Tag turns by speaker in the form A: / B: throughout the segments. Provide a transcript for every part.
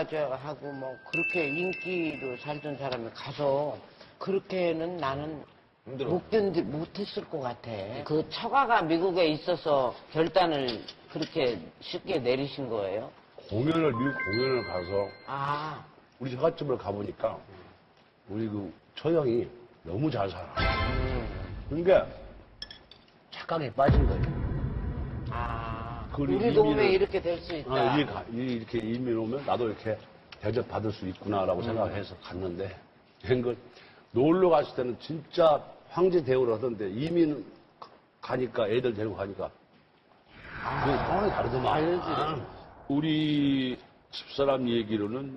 A: 하고 뭐 그렇게 인기로 살던 사람이 가서 그렇게는 나는 못했을 것 같아. 그 처가가 미국에 있어서 결단을 그렇게 쉽게 내리신 거예요?
B: 미국 공연을 가서
A: 아,
B: 우리 처갓집을 가보니까 우리 그 처형이 너무 잘 살아. 그러니까 착각에 빠진 거예요.
A: 아,
B: 그리고
A: 우리 동네
B: 이민을-
A: 이렇게 될 수 있다.
B: 이렇게 이민 오면 나도 이렇게 대접받을 수 있구나라고 생각해서 갔는데, 그 놀러 갔을 때는 진짜 황제 대우를 하던데 이민 가니까 애들 데리고 가니까 그 상황이 다르더만. 우리 집사람 얘기로는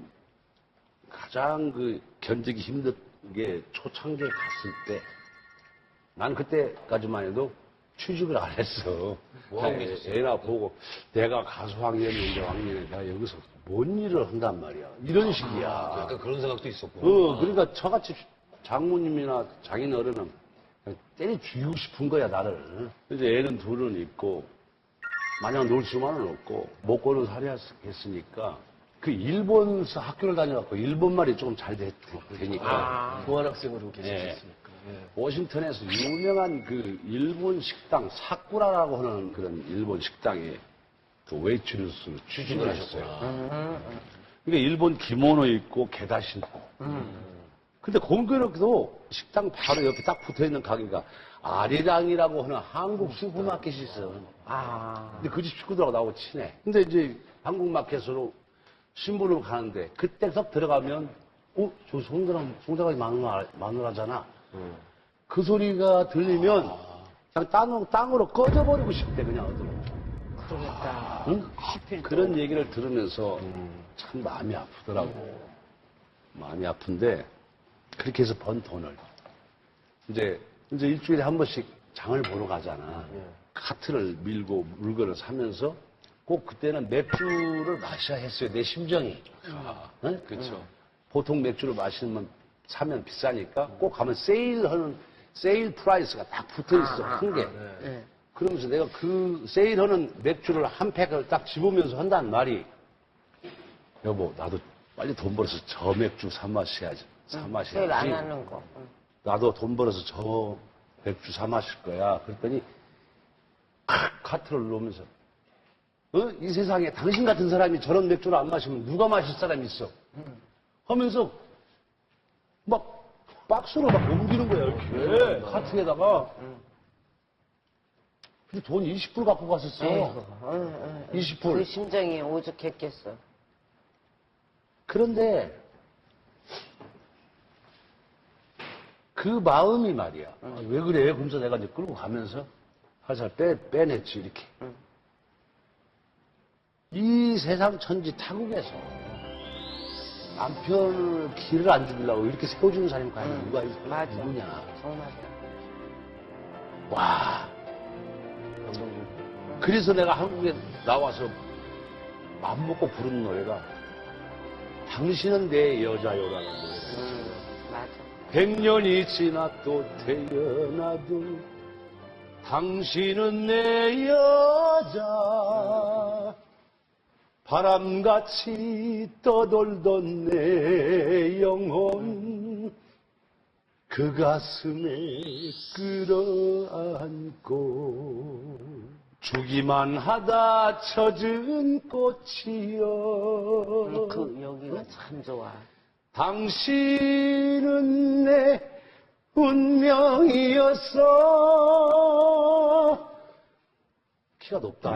B: 가장 그 견디기 힘든 게 초창기에 갔을 때, 난 그때까지만 해도 취직을 안 했어. 애나 보고 내가 가수 학년인데 학년에 내가 여기서 뭔 일을 한단 말이야. 이런 식이야.
C: 약간 그런 생각도 있었고.
B: 그러니까 저같이 장모님이나 장인 어른은 그냥 때려 죽이고 싶은 거야, 나를. 이제 애는 둘은 있고, 마냥 놀 수만은 없고, 먹고는 살아야 했으니까, 그 일본서 학교를 다녀갖고 일본말이 조금 잘 되니까.
C: 교환학생으로 계셨으니까.
B: 워싱턴에서 유명한 그 일본 식당, 사쿠라라고 하는 그런 일본 식당에 그 웨이트리스로 취직을 했어요. 그러니까 일본 기모노 입고 게다 신고. 근데 공교롭게도 식당 바로 옆에 딱 붙어 있는 가게가 아리랑이라고 하는 한국 슈퍼마켓이 있어. 근데 그 집 식구들하고 나하고 친해. 근데 이제 한국 마켓으로 신분으로 가는데 그때 딱 들어가면 저 송대관이 마누라잖아. 그 소리가 들리면 그냥 땅으로 꺼져버리고 싶대, 그냥 어디로.
A: 그러겠다.
B: 응? 그런 얘기를 들으면서 참 마음이 아프더라고. 마음이 아픈데 그렇게 해서 번 돈을 이제 일주일에 한 번씩 장을 보러 가잖아. 카트를 밀고 물건을 사면서 꼭 그때는 맥주를 마셔야 했어요, 내 심정이. 응?
C: 그렇죠.
B: 보통 맥주를 사면 비싸니까 꼭 가면 세일 프라이스가 딱 붙어 있어, 큰 게. 그러면서 내가 그 세일하는 맥주를 한 팩을 딱 집으면서 한다는 말이, 여보, 나도 빨리 돈 벌어서 저 맥주 사 마셔야지.
A: 세일 안 하는 거.
B: 나도 돈 벌어서 저 맥주 사 마실 거야. 그랬더니 카트를 놓으면서 이 세상에 당신 같은 사람이 저런 맥주를 안 마시면 누가 마실 사람이 있어? 하면서 막 박스로 막 옮기는 거야, 이렇게. 카트에다가. 근데 돈 20불 갖고 갔었어. 20불.
A: 그 심정이 오죽했겠어.
B: 그런데 그 마음이 말이야. 왜 그래? 그러면서 내가 이제 끌고 가면서 살살 빼냈지, 이렇게. 이 세상 천지 타국에서 남편을 길을 안 죽이려고 이렇게 세워주는 사람이 과연 누가
A: 맞아.
B: 누구냐.
A: 정말이야.
B: 와. 그래서 내가 한국에 나와서 맘먹고 부르는 노래가 당신은 내 여자요라는 노래가
A: 맞아.
B: 100년이 지나도 태어나도 당신은 내 여자. 바람같이 떠돌던 내 영혼 그 가슴에 끌어안고 주기만 하다 젖은 꽃이여.
A: 그 여기가 참 좋아.
B: 당신은 내 운명이었어. 키가 높다.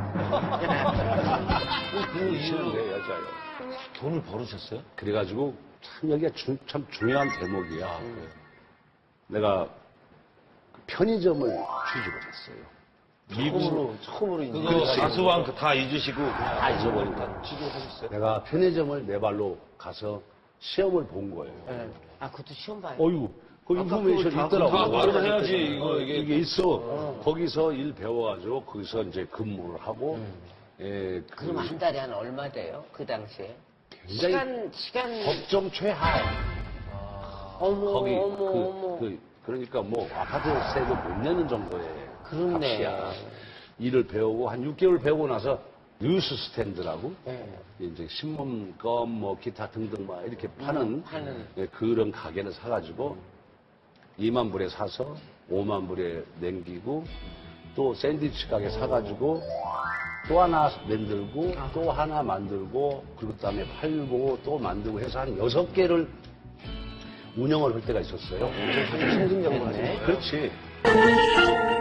B: 당신은 내 여자요.
C: 돈을 벌으셨어요?
B: 그래가지고 참 여기가 참 중요한 대목이야. 내가 편의점을 취직을 했어요.
C: 처음으로 이제.
D: 그거 가수왕 다 잊으시고
B: 다 잊어버리니까
C: 취직하셨어요?
B: 내가 편의점을 내 발로 가서 시험을 본 거예요.
A: 그것도 시험 봐요.
B: 어휴, 그 인포메이션 있더라고.
D: 다 그러면 해야지, 이거,
B: 이게 있어. 거기서 일 배워가지고 거기서 이제 근무를 하고. 예,
A: 그럼 한 달에 한 얼마 돼요? 그 당시에?
B: 굉장히
A: 시간.
B: 법정 최하에.
A: 어머,
B: 거기
A: 어머.
B: 그러니까 뭐 아파트세도 못 내는 정도의
A: 그렇네.
B: 값이야. 일을 배우고 한 6개월 배우고 나서 뉴스 스탠드라고
A: 네.
B: 이제 신문껌 뭐 기타 등등 막 이렇게 파는 예, 그런 가게를 사가지고 2만 불에 사서 5만 불에 남기고 또 샌드위치 가게 사가지고 또 하나 만들고 또 하나 만들고 그리고 그다음에 팔고 또 만들고 해서 한 6개를 운영을 할 때가 있었어요.
C: 승승장구하네.
B: 그렇지.